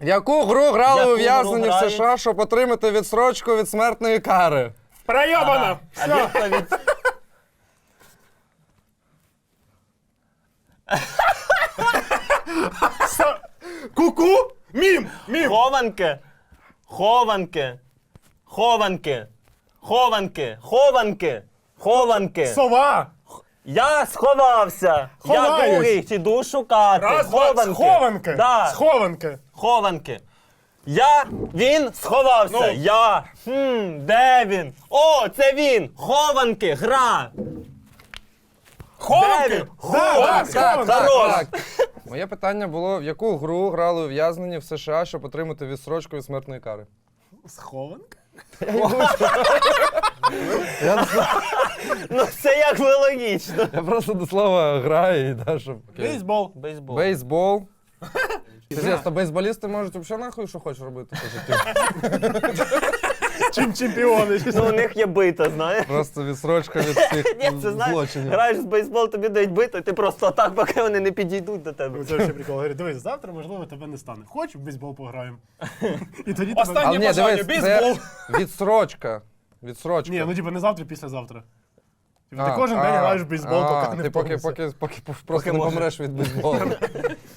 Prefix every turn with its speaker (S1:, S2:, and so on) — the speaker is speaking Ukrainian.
S1: В яку гру грали
S2: Яку
S1: ув'язнені
S2: гру
S1: в
S2: грають?
S1: США, щоб отримати відстрочку від смертної кари?
S3: Пройобано!
S2: А
S3: Все.
S2: відповідь...
S3: Ку-ку? Мім! Мім!
S2: Хованки. Хованки. Хованки. Хованки. Хованки. Хованки.
S3: Сова!
S2: Я сховався. Я
S3: Ховаюсь.
S2: другий, іду шукати.
S3: Раз, два, схованки!
S2: Да.
S3: Схованки!
S2: Хованки. Він сховався.
S3: Ну.
S2: Я. Де він? О, це він. Хованки, гра.
S3: Хованки!
S2: Де він?
S3: Да, схованки!
S2: Хорош.
S1: Моє питання було, в яку гру грали ув'язнені в США, щоб отримати відстрочку від смертної кари?
S3: Схованки?
S2: Ну це як би логічно.
S1: Я просто до слова граю і да, щоб...
S3: Бейсбол.
S2: Бейсбол.
S1: Бейсбол. Серйозно, бейсболісти можуть взагалі нахуй, що хочеш робити по життю.
S3: Чим чемпіони?
S2: Ну у них є бита, знаєш.
S1: Просто відстрочка від всіх
S2: Ні, це знаєш,
S1: злочинів.
S2: граєш в бейсбол, тобі дають биту, і ти просто отак, поки вони не підійдуть до тебе.
S3: Це ще прикол. Говорить, дивись, завтра, можливо, тебе не стане. Хоч в бейсбол пограємо. І тоді
S4: Останнє
S3: тебе...
S1: Але ні,
S4: бажання,
S1: дивись,
S4: бейсбол.
S1: це відстрочка. Відстрочка.
S3: Ні, ну типу не завтра, післязавтра. Типу, ти кожен день граєш в бейсбол, поки не
S1: ти поки
S3: втомишся.
S1: просто не помреш від бейсболу.